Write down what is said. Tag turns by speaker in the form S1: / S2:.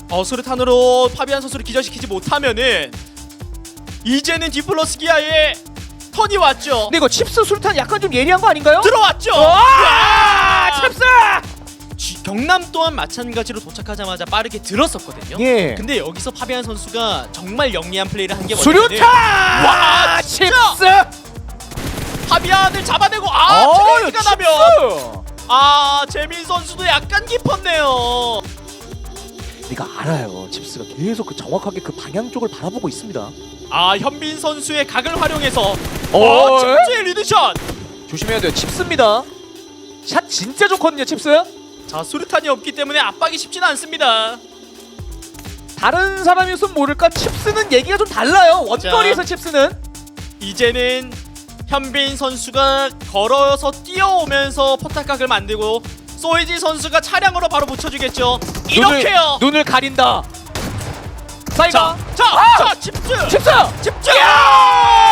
S1: 수류탄으로 파비안 선수를 기절시키지 못하면은 이제는 디플러스 기아의 턴이 왔죠.
S2: 근데 이거 칩스 수류탄 약간 좀 예리한 거 아닌가요?
S1: 들어왔죠.
S2: 와! 칩스!
S1: 경남 또한 마찬가지로 도착하자마자 빠르게 들었었거든요.
S2: 예.
S1: 근데 여기서 파비안 선수가 정말 영리한 플레이를 한 게
S2: 수류탄!
S1: 와,
S2: 칩스!
S1: 파비안을 잡아내고 트레이드가 나면 재민 선수도 약간 깊었네요.
S2: 네가 알아요. 칩스가 계속 그 정확하게 그 방향 쪽을 바라보고 있습니다.
S1: 현빈 선수의 각을 활용해서
S2: 어,
S1: 칩스의 리드샷.
S2: 조심해야 돼요. 칩스입니다. 샷 진짜 좋거든요, 칩스.
S1: 자, 수류탄이 없기 때문에 압박이 쉽지는 않습니다.
S2: 다른 사람이었으면 모를까 칩스는 얘기가 좀 달라요. 원거리에서 칩스는.
S1: 이제는 현빈 선수가 걸어서 뛰어오면서 포탑각을 만들고 소이지 선수가 차량으로 바로 붙여주겠죠. 이렇게요.
S2: 눈을 가린다. 사이가.
S1: 자, 칩스.
S2: 칩스.
S1: 집중.